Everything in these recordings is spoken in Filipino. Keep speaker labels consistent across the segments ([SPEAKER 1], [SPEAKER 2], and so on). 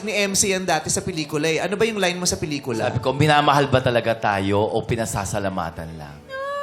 [SPEAKER 1] ni MC yan dati sa pelikula eh. Ano ba yung line mo sa pelikula?
[SPEAKER 2] Sabi ko, minamahal ba talaga tayo o pinasasalamatan lang?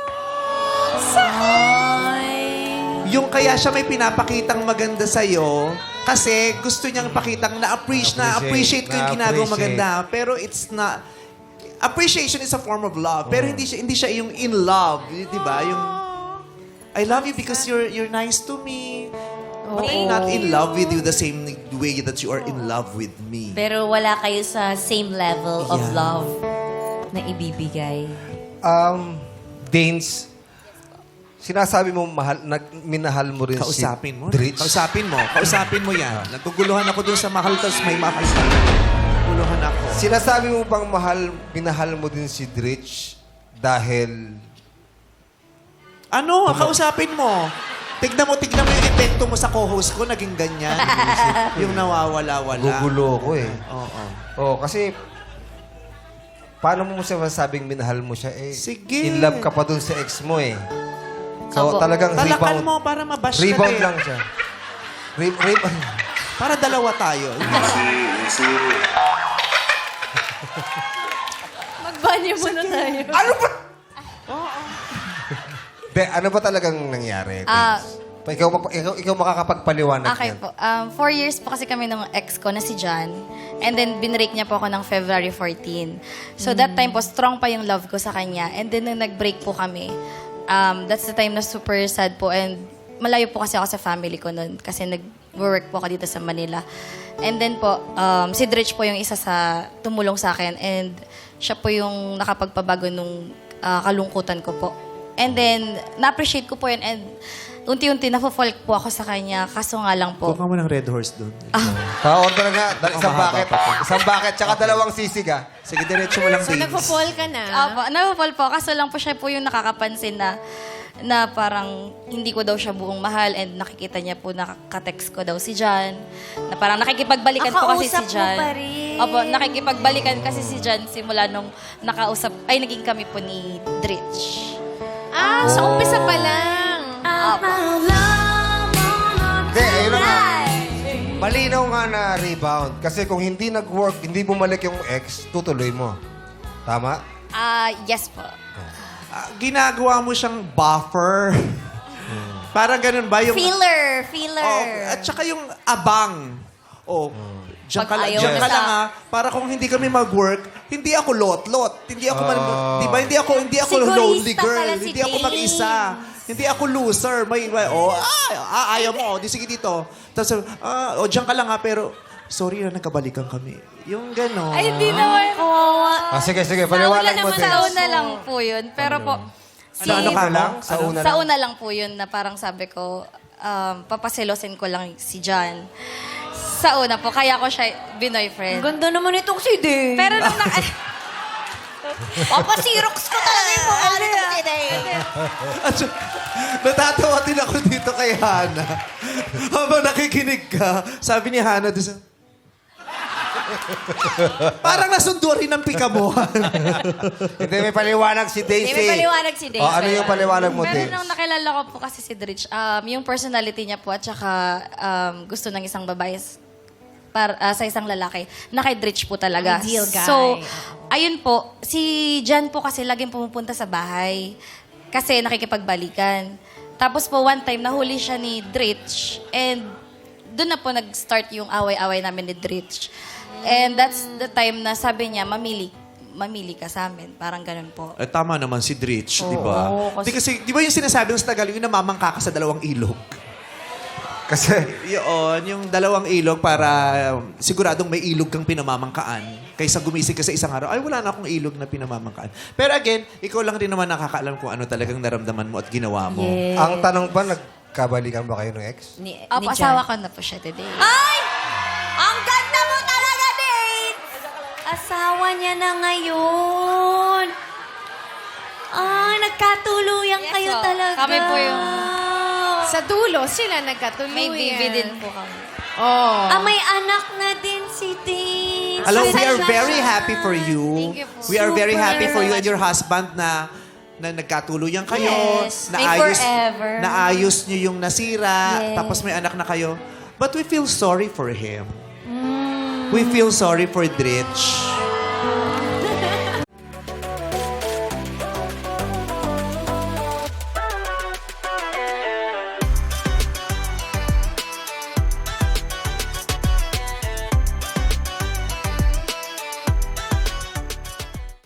[SPEAKER 1] Yung kaya siya may pinapakitang maganda sa'yo kasi gusto niyang pakitang na-appreciate ko yung ginagawang maganda. Pero it's not... Appreciation is a form of love. Pero hindi siya yung in love. Di ba? Yung... I love you because you're nice to me. But I'm not in love with you the same way that you are in love with me.
[SPEAKER 3] Pero wala kayo sa same level of love na ibibigay.
[SPEAKER 4] Danes, sinasabi mo minahal mo rin
[SPEAKER 1] Kausapin mo.
[SPEAKER 4] si Dritch.
[SPEAKER 1] Kausapin mo yan. Naguguluhan ako dun sa mahal, tapos may mahal sa naguguluhan ako.
[SPEAKER 4] Sinasabi mo bang minahal mo din si Dritch dahil...
[SPEAKER 1] Ano? Kausapin mo. Tignan mo yung epekto mo sa co-host ko, naging ganyan. Yung nawawala-wala.
[SPEAKER 4] Gugulo ko eh.
[SPEAKER 1] Oo.
[SPEAKER 4] Oo, kasi... Paano mo masabing minahal mo siya eh?
[SPEAKER 1] Sige.
[SPEAKER 4] In love ka pa dun sa ex mo eh. So talagang
[SPEAKER 1] Talakan
[SPEAKER 4] rebound.
[SPEAKER 1] mo para mabash ka
[SPEAKER 4] Rebound
[SPEAKER 1] din.
[SPEAKER 4] lang siya. Rebound.
[SPEAKER 1] Para dalawa tayo.
[SPEAKER 3] Magbanyo muna tayo.
[SPEAKER 4] Ano ba? De, ano ba talagang nangyari? Ikaw makakapagpaliwanag
[SPEAKER 5] Okay
[SPEAKER 4] yan.
[SPEAKER 5] po. 4 years po kasi kami ng ex ko na si John. And then, binrake niya po ako ng February 14. So, that time po, strong pa yung love ko sa kanya. And then, nung nag-break po kami, that's the time na super sad po. And malayo po kasi ako sa family ko noon. Kasi nag-work po ako dito sa Manila. And then po, si Dritch po yung isa sa tumulong sa akin. And siya po yung nakapagpabago nung kalungkutan ko po. And then, na-appreciate ko po yun. And unti-unti, na-fall po ako sa kanya. Kaso nga lang po.
[SPEAKER 1] Kuha mo ng Red Horse doon.
[SPEAKER 4] Pa-order nga. Isang
[SPEAKER 1] mahaba
[SPEAKER 4] bucket.
[SPEAKER 1] pa to.
[SPEAKER 4] Isang bucket, tsaka dalawang sisig ah.
[SPEAKER 1] Sige, diretso mo lang
[SPEAKER 3] So,
[SPEAKER 1] Danes.
[SPEAKER 3] nagpo-fall ka na?
[SPEAKER 5] Opo, na-fall po. Kaso lang po siya po yung nakakapansin na parang hindi ko daw siya buong mahal and nakikita niya po nakaka-text ko daw si John. Na parang nakikipagbalikan po kasi si
[SPEAKER 3] Kausap mo
[SPEAKER 5] John.
[SPEAKER 3] pa rin.
[SPEAKER 5] Opo, nakikipagbalikan kasi si John simula nung naging kami po ni Dritch.
[SPEAKER 3] Sa umpisa pa lang.
[SPEAKER 4] Hindi, ayun na nga. Malinaw nga na rebound. Kasi kung hindi nag-work, hindi bumalik yung ex, tutuloy mo. Tama?
[SPEAKER 5] Yes po.
[SPEAKER 1] Ginagawa mo siyang buffer. Parang ganun ba? Yung,
[SPEAKER 3] Filler.
[SPEAKER 1] at saka yung abang. Diyan ka
[SPEAKER 5] Pag
[SPEAKER 1] lang,
[SPEAKER 5] ayaw
[SPEAKER 1] diyan
[SPEAKER 5] na
[SPEAKER 1] ka
[SPEAKER 5] sa-
[SPEAKER 1] lang ha. Para kung hindi kami mag-work, hindi ako lot-lot. Hindi ako, di ba? Hindi ako
[SPEAKER 3] Sigurista
[SPEAKER 1] lonely girl.
[SPEAKER 3] pala si
[SPEAKER 1] Hindi ako
[SPEAKER 3] Dave.
[SPEAKER 1] mag-isa. Hindi ako loser. Ayaw mo. Di sige dito. Tapos, diyan ka lang ha, pero sorry na nagkabalikan kami. Yung gano'n.
[SPEAKER 5] Ay, hindi naman.
[SPEAKER 4] Sige, paliwanag mo din.
[SPEAKER 5] Sa una lang po yun. Pero po,
[SPEAKER 1] Ano ka lang?
[SPEAKER 4] Sa una
[SPEAKER 5] sa
[SPEAKER 4] lang.
[SPEAKER 5] una lang po yun na parang sabi ko, papaselosin ko lang si John. Sa una po, kaya ko siya binoyfriend.
[SPEAKER 3] Ganda naman itong si Dave.
[SPEAKER 5] Pero nung
[SPEAKER 3] Papasirox ko talaga yung mukha nitong si Dave.
[SPEAKER 1] Natatawa din ako dito kay Hana. Habang nakikinig ka, sabi ni Hana doon sa... Parang nasundo rin ang pikamuhan.
[SPEAKER 4] Hindi, may paliwanag si Daisy.
[SPEAKER 3] May paliwanag si Dave.
[SPEAKER 4] Ano yung paliwanag mo,
[SPEAKER 5] Pero
[SPEAKER 4] Daisy?
[SPEAKER 5] nung nakilala ko po kasi si Dritch, yung personality niya po at saka gusto ng isang babae sa isang lalaki, na kay Dritch po talaga.
[SPEAKER 3] Ideal guy.
[SPEAKER 5] So, ayun po, si Jan po kasi laging pumupunta sa bahay kasi nakikipagbalikan. Tapos po one time, nahuli siya ni Dritch and doon na po nag-start yung away-away namin ni Dritch. And that's the time na sabi niya, mamili ka sa amin. Parang ganun po.
[SPEAKER 1] Tama naman si Dritch, di ba?
[SPEAKER 5] Oo,
[SPEAKER 1] Kasi, di ba yung sinasabi ng sa Tagalog, yung namamangka ka sa dalawang ilog?
[SPEAKER 4] Kasi,
[SPEAKER 1] Yun, yung dalawang ilog para siguradong may ilog kang pinamamangkaan. Kaysa gumising ka sa isang araw, ay wala na akong ilog na pinamamangkaan. Pero again, ikaw lang rin naman nakakaalam kung ano talagang naramdaman mo at ginawa mo.
[SPEAKER 4] ang tanong ba, nagkabalikan ba kayo ng ex?
[SPEAKER 3] Ni
[SPEAKER 5] Opo,
[SPEAKER 3] Jan.
[SPEAKER 5] asawa ko na po siya today.
[SPEAKER 3] Ay! Ang ganda mo talaga, Dave! Asawa niya na ngayon. Nagkatuluyan
[SPEAKER 5] Yes,
[SPEAKER 3] kayo
[SPEAKER 5] po.
[SPEAKER 3] talaga.
[SPEAKER 5] Kami po yung...
[SPEAKER 6] Sa dulo, sila nagkatuluyan.
[SPEAKER 5] May baby din po kami.
[SPEAKER 6] Oh.
[SPEAKER 3] May anak na din si Dave.
[SPEAKER 1] Alam, we are
[SPEAKER 3] Pasensya
[SPEAKER 1] very
[SPEAKER 3] siya.
[SPEAKER 1] happy for you.
[SPEAKER 5] Thank you po.
[SPEAKER 1] We are very
[SPEAKER 3] Super.
[SPEAKER 1] happy for you and your husband na nagkatuluyan kayo.
[SPEAKER 3] Yes. May forever.
[SPEAKER 1] Naayos niyo yung nasira.
[SPEAKER 3] Yes.
[SPEAKER 1] Tapos may anak na kayo. But we feel sorry for him. We feel sorry for Dritch.